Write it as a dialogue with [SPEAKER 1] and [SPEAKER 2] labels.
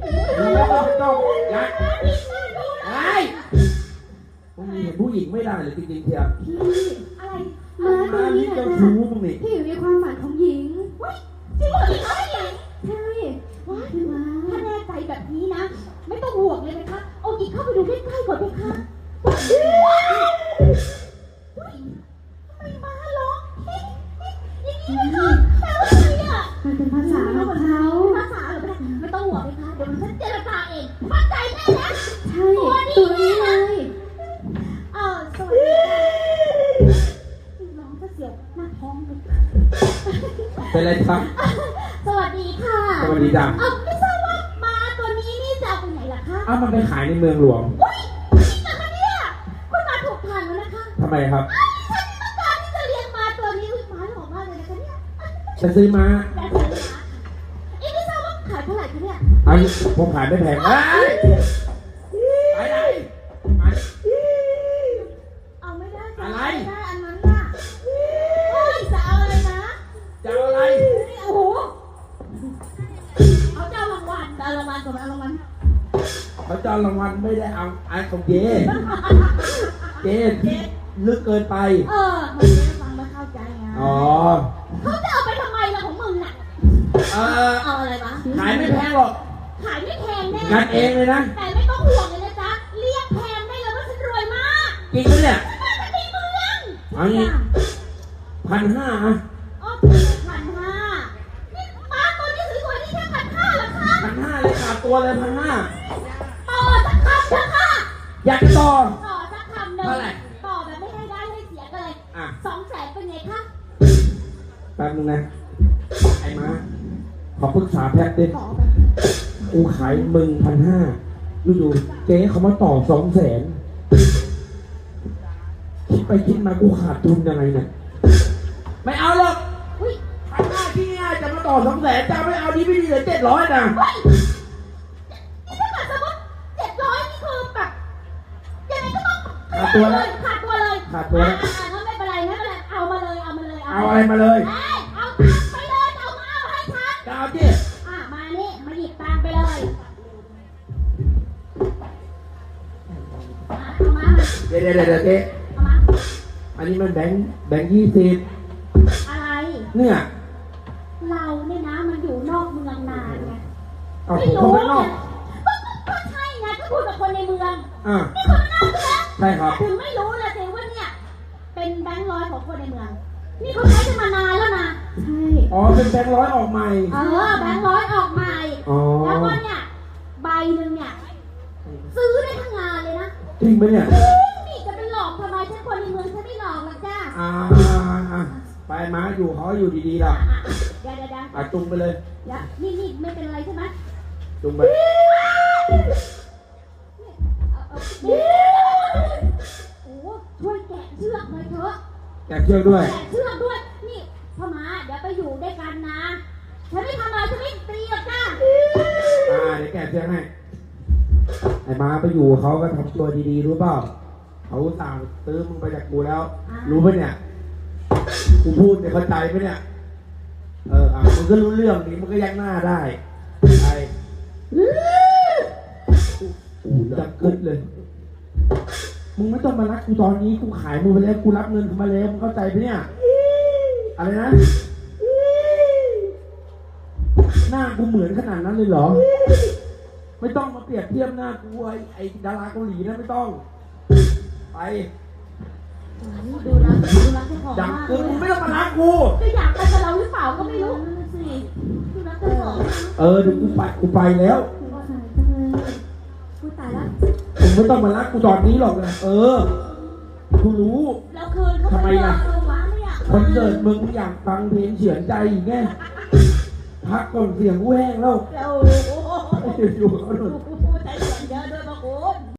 [SPEAKER 1] ไม่ต้องยัดไอ้มึงมีเห็นผู้หญิงไม่ได้เลยจริงๆเทียบ
[SPEAKER 2] พี่อะไรมาตัวนี้
[SPEAKER 1] เจ้า
[SPEAKER 2] นะ
[SPEAKER 1] ชู้มึงนี่
[SPEAKER 2] พี่อยู่ในความฝันของหญิงว้ยจริงเหรอคะหญิงใช่ว้ายมาถ้าแน่ใจแบบนี้นะไม่ต้องห่วงเลยนะคะเอาหญิงเข้าไปดูใกล้ๆก่อนไหมคะไม่มาหรอกอย่างนี้เลยค่ะแปลว่าอะไรอ่ะมันเป็นภาษาของเขาภาษาเหรอไม่ต้องห่วงเลยค่ะเดี๋ยวมันฉันเจรจาเองมั่นใจแน่นะใช่ตัวนี้เลยสวัสดีน้องก็เสียวหน้าท้องเลย
[SPEAKER 1] เป็นไรครับ
[SPEAKER 2] สวัสดีค่ะ
[SPEAKER 1] สวัสดีจ้ะ
[SPEAKER 2] ไม่ทราบว่ามาตัวนี้นี่จะเอาไปไหนล่ะคะ
[SPEAKER 1] มันไปขายในเมืองหลวง
[SPEAKER 2] อุ้ยจริงเหรอคะเนี่ยคุณมาถูกทางแล้วนะคะ
[SPEAKER 1] ทำไมครับ
[SPEAKER 2] ฉันต้องการที่จะเลี้ยงม้าตัวนี้ม้าหล่อมากเลยนะคะเนี่ย
[SPEAKER 1] จะซื้อม้า
[SPEAKER 2] แต่ฉันนะไม่ทราบว่าขายเท่าไหร่คะเนี่ย
[SPEAKER 1] อันผมขายไม่แพงไปไหนมา
[SPEAKER 2] เอาไม่ได้
[SPEAKER 1] อะไร
[SPEAKER 2] ไม่ได้อันนั้นน่ะเฮ้ยจะเอาอะไรนะ
[SPEAKER 1] จะเอาอะไร
[SPEAKER 2] โอ้โหเอาเจ้ารางวัลก่อนเอารางวัล
[SPEAKER 1] เขาจะเอารางวัลไม่ได้เอาไอ้ของเจ๊เจ๊ลึกเกินไป
[SPEAKER 2] มันไม่ฟังไม่เข้าใจไง
[SPEAKER 1] อ๋อ
[SPEAKER 2] เขาจะเอาไปทำไมล่ะของมึงน่ะเอาอะไรวะ
[SPEAKER 1] ขายไม่แพงหรอก
[SPEAKER 2] ขายไม่แพงแน่
[SPEAKER 1] กันเองเลยนะ
[SPEAKER 2] แต่ไม่ต้องห่วงเลยนะจ๊ะเรียกแพงได้เลยว่าฉันรวยมาก
[SPEAKER 1] จริงไหมเนี่ย
[SPEAKER 2] ฉันมาจากในเมือง
[SPEAKER 1] เอางี้ 1,500 อ่ะ
[SPEAKER 2] อ๋อ1,500นี่มาตัวนี้สวยๆนี่แค่1,500เหรอคะ
[SPEAKER 1] 1,500เลยขาดตัวเลย1,500
[SPEAKER 2] ต่อสักคำเถอะค่ะ
[SPEAKER 1] อยากจะต่อ
[SPEAKER 2] ต่อสักคำหนึ่ง
[SPEAKER 1] เท่าไหร่
[SPEAKER 2] ต่อแบบไม่ให้ได้ให้เสียกันเลย 200,000เป็นไงคะ
[SPEAKER 1] แป๊บนึงนะ ไอ้ม้าขอปรึกษาแป๊บดิ
[SPEAKER 2] ต่อแบบ
[SPEAKER 1] กูขายมึง1,500อยู่ๆเจ๊เขามาต่อ200,000คิดไปคิดมากูขาดทุนยังไงเนี่ย ไม่เอาหรอก
[SPEAKER 2] อุ้ย
[SPEAKER 1] 1,500ที่ง่ายจะมาต่อ200,000จะไม่เอาดีไม่ดีเหลือ700นะ
[SPEAKER 2] เฮ้ยนี่ถ้าเกิดสมมติ700นี่คือแบบยังไงก็ต้อง
[SPEAKER 1] ขาดตัวแล้ว
[SPEAKER 2] ขาดตัวเลย
[SPEAKER 1] ขาดตัวแล้ว
[SPEAKER 2] งั้นไม่เป็นไรเอามาเลย
[SPEAKER 1] เอาอะไรมาเลย
[SPEAKER 2] เอาตังค์ไปเลยเอามาเอาให้ฉัน
[SPEAKER 1] จะเอาที่
[SPEAKER 2] มานี่มาหยิบตังค์ไปเลยเอามา
[SPEAKER 1] เดี๋ยวเจ๊
[SPEAKER 2] เอามา
[SPEAKER 1] อันนี้มันแบงค์20
[SPEAKER 2] อะไร
[SPEAKER 1] เนี่ย
[SPEAKER 2] เราเนี่ยนะมันอยู่นอกเมืองนานไง
[SPEAKER 1] เอาผมเข้าไปนอก
[SPEAKER 2] ก็ใช่ไงก็พูดกับคนในเมือง
[SPEAKER 1] อ่า
[SPEAKER 2] นี่คนนอกใช่ไหม
[SPEAKER 1] ใช่ครับ
[SPEAKER 2] ถึงไม่รู้เลยสิว่าเนี่ยเป็นแบงค์ร้อยของคนในเมือง นี่เขาใช้กันมานานแล้วนะใช่
[SPEAKER 1] อ๋อเป็นแบงค์ร้อยออกใหม่
[SPEAKER 2] แบงค์ร้อยออกใหม่
[SPEAKER 1] อ๋อ
[SPEAKER 2] แล้วก็เนี่ยใบหนึ่งเนี่ยซื้อได้ทั้งงานเลยนะ
[SPEAKER 1] จริงไหมเนี่ย
[SPEAKER 2] นี่จะเป็นหลอกทำไมฉันคนในเมืองฉันไม่หลอกหรอกจ้า
[SPEAKER 1] ไปม้าอยู่เขาอยู่ดีๆล่ะ
[SPEAKER 2] เดี๋ยว
[SPEAKER 1] จุงไปเลย
[SPEAKER 2] นี่ไม่เป็นไรใช่ไหม
[SPEAKER 1] จุงไป
[SPEAKER 2] โอ้ช่วยแกะเชือกหน่อยเถอะ
[SPEAKER 1] แกะเชือกด้วย
[SPEAKER 2] แกะเชือกด้วยนี่พ่อม้าเดี๋ยวไปอยู่ด้วยกันนะฉันไม่ทำอะไรฉันไม่ตีหรอกจ้า
[SPEAKER 1] เดี๋ยวแกะเชือกให้ไอ้ม้าไปอยู่เขาก็ทำตัวดีๆรู้เปล่าเขาสั่งซื้อมึงไปจากกูแล้ว รู้ปะเนี่ยกูพูดเนี่ยเข้าใจปะเนี่ยมึงก็รู้เรื่องนี้มึงก็ยักหน้าได้ไปจะกึดเลย มึงไม่ต้องมารักกูตอนนี้กูขายมึงไปแล้วกูรับเงินมาแล้วมึงเข้าใจปะเนี่ยอะไรนะหน้ากูเหมือนขนาดนั้นเลยเหรอไม่ต้องมาเปรียบเทียบหน้ากูไอ้ดาราเกาหลีนะไม่ต้องไป
[SPEAKER 2] ดูรักเจ้าของ
[SPEAKER 1] จับ
[SPEAKER 2] มาก
[SPEAKER 1] กูมึงไม่ต้องมารักกู
[SPEAKER 2] จะอยากไปกับเราหรือเปล่าก็ไม่รู้สิดูรักเจ้าของ
[SPEAKER 1] เดี๋ยวกูไปแล้ว
[SPEAKER 2] กูตายแล้ว
[SPEAKER 1] มึงไม่ต้องมารักกูตอนนี้หรอกนะกูรู้
[SPEAKER 2] แล้วคืนเขาไปเจอวะไม่อยาก
[SPEAKER 1] คอนเสิร์ตมึงอยากฟังเพลงเฉือนใจอีกไงพักก่อนเสียงกูแห้งแล้ว
[SPEAKER 2] แล้ว
[SPEAKER 1] อยู่เขาหนุน
[SPEAKER 2] กู